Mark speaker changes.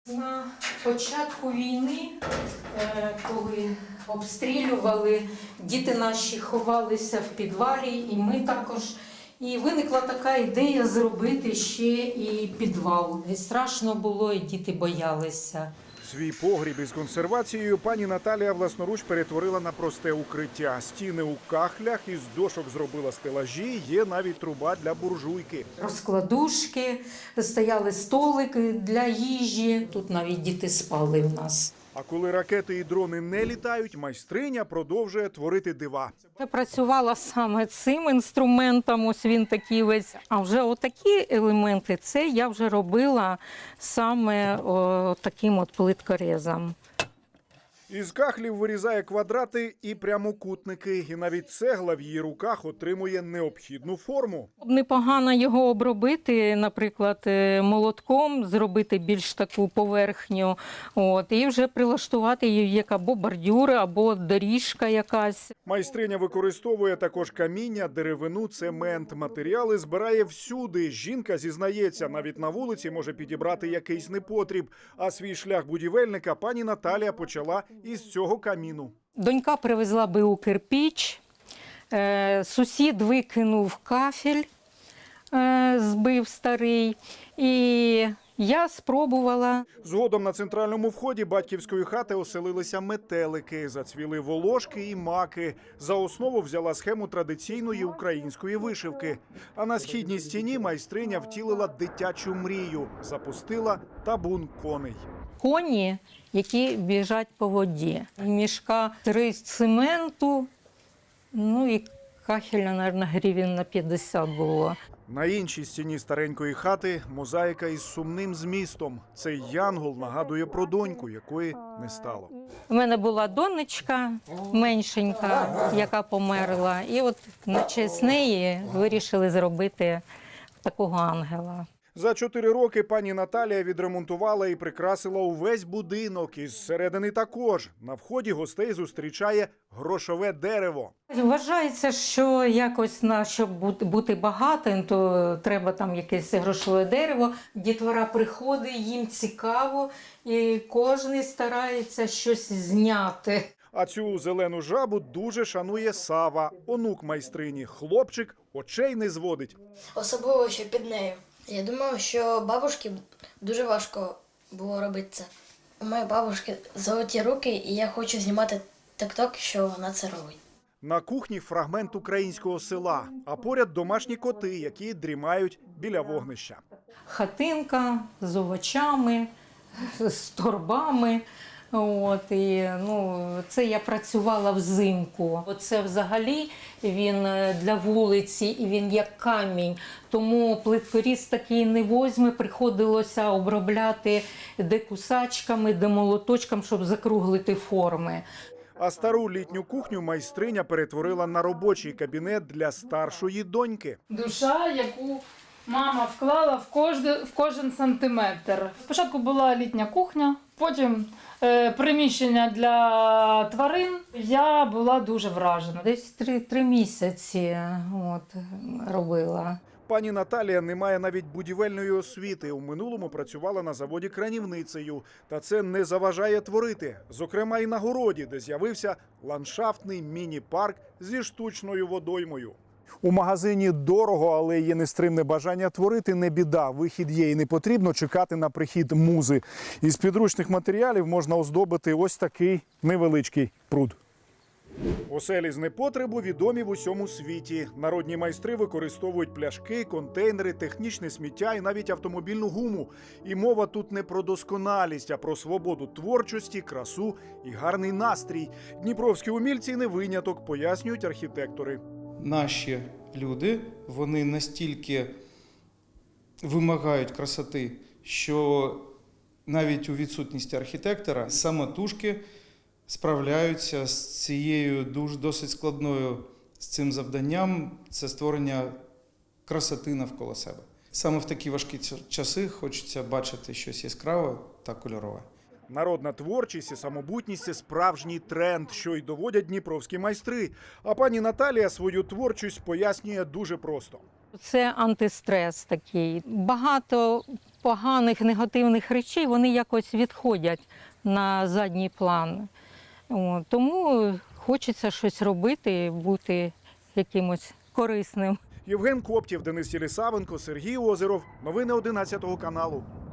Speaker 1: На початку війни, коли обстрілювали, діти наші ховалися в підвалі, і ми також. І виникла така ідея зробити ще і підвал. І страшно було, і діти боялися.
Speaker 2: Свій погріб із консервацією пані Наталія власноруч перетворила на просте укриття. Стіни у кахлях, із дошок зробила стелажі, є навіть труба для буржуйки.
Speaker 1: Розкладушки, стояли столики для їжі. Тут навіть діти спали в нас.
Speaker 2: А коли ракети і дрони не літають, майстриня продовжує творити дива.
Speaker 1: Я працювала саме цим інструментом, ось він такий весь. А вже отакі елементи, це я вже робила саме таким от плиткорезом.
Speaker 2: Із кахлів вирізає квадрати і прямокутники. І навіть цегла в її руках отримує необхідну форму.
Speaker 1: Непогано його обробити, наприклад, молотком, зробити більш таку поверхню, і вже прилаштувати її як або бордюр, або доріжка якась.
Speaker 2: Майстриня використовує також каміння, деревину, цемент. Матеріали збирає всюди. Жінка зізнається, навіть на вулиці може підібрати якийсь непотріб. А свій шлях будівельника пані Наталія почала із цього каміну.
Speaker 1: Донька привезла БУ кирпіч, сусід викинув кафель, збив старий, і я спробувала.
Speaker 2: Згодом на центральному вході батьківської хати оселилися метелики, зацвіли волошки і маки. За основу взяла схему традиційної української вишивки. А на східній стіні майстриня втілила дитячу мрію, запустила табун коней.
Speaker 1: Коні, які біжать по воді. Мішка 3 цементу, і кахеля, мабуть, гривень на 50 було.
Speaker 2: На іншій стіні старенької хати мозаїка із сумним змістом. Цей янгол нагадує про доньку, якої не стало.
Speaker 1: У мене була донечка меншенька, яка померла. І от на честь неї вирішили зробити такого ангела.
Speaker 2: За 4 роки пані Наталія відремонтувала і прикрасила увесь будинок. Із середини також. На вході гостей зустрічає грошове дерево.
Speaker 1: Вважається, що якось, щоб бути багатим, то треба там якесь грошове дерево. Дітвора приходить, їм цікаво, і кожен старається щось зняти.
Speaker 2: А цю зелену жабу дуже шанує Сава, онук майстрині. Хлопчик очей не зводить.
Speaker 3: Особливо, що під нею. Я думаю, що бабушці дуже важко було робити це. У моєї бабушки золоті руки, і я хочу знімати тік-ток, що вона це робить.
Speaker 2: На кухні фрагмент українського села, а поряд домашні коти, які дрімають біля вогнища.
Speaker 1: Хатинка з овочами, з торбами. Це я працювала взимку. Оце взагалі він для вулиці, і він як камінь. Тому плиткоріз такий не возьме, приходилося обробляти де кусачками, де молоточком, щоб закруглити форми.
Speaker 2: А стару літню кухню майстриня перетворила на робочий кабінет для старшої доньки.
Speaker 4: Душа, яку мама вклала в кожен сантиметр. Спочатку була літня кухня, потім приміщення для тварин. Я була дуже вражена.
Speaker 1: Десь 3 місяці робила.
Speaker 2: Пані Наталія не має навіть будівельної освіти. У минулому працювала на заводі кранівницею. Та це не заважає творити. Зокрема, і на городі, де з'явився ландшафтний міні-парк зі штучною водоймою. У магазині дорого, але є нестримне бажання творити, не біда. Вихід є і не потрібно чекати на прихід музи. Із підручних матеріалів можна оздобити ось такий невеличкий пруд. Оселі з непотребу відомі в усьому світі. Народні майстри використовують пляшки, контейнери, технічне сміття і навіть автомобільну гуму. І мова тут не про досконалість, а про свободу творчості, красу і гарний настрій. Дніпровські умільці не виняток, пояснюють архітектори.
Speaker 5: Наші люди, вони настільки вимагають красоти, що навіть у відсутності архітектора самотужки справляються з цією досить складною з цим завданням – це створення красоти навколо себе. Саме в такі важкі часи хочеться бачити щось яскраве та кольорове.
Speaker 2: Народна творчість і самобутність – це справжній тренд, що й доводять дніпровські майстри. А пані Наталія свою творчість пояснює дуже просто.
Speaker 1: Це антистрес такий. Багато поганих, негативних речей, вони якось відходять на задній план. Тому хочеться щось робити, бути якимось корисним.
Speaker 2: Євген Коптєв, Денис Єлісавенко, Сергій Озеров. Новини 11 каналу.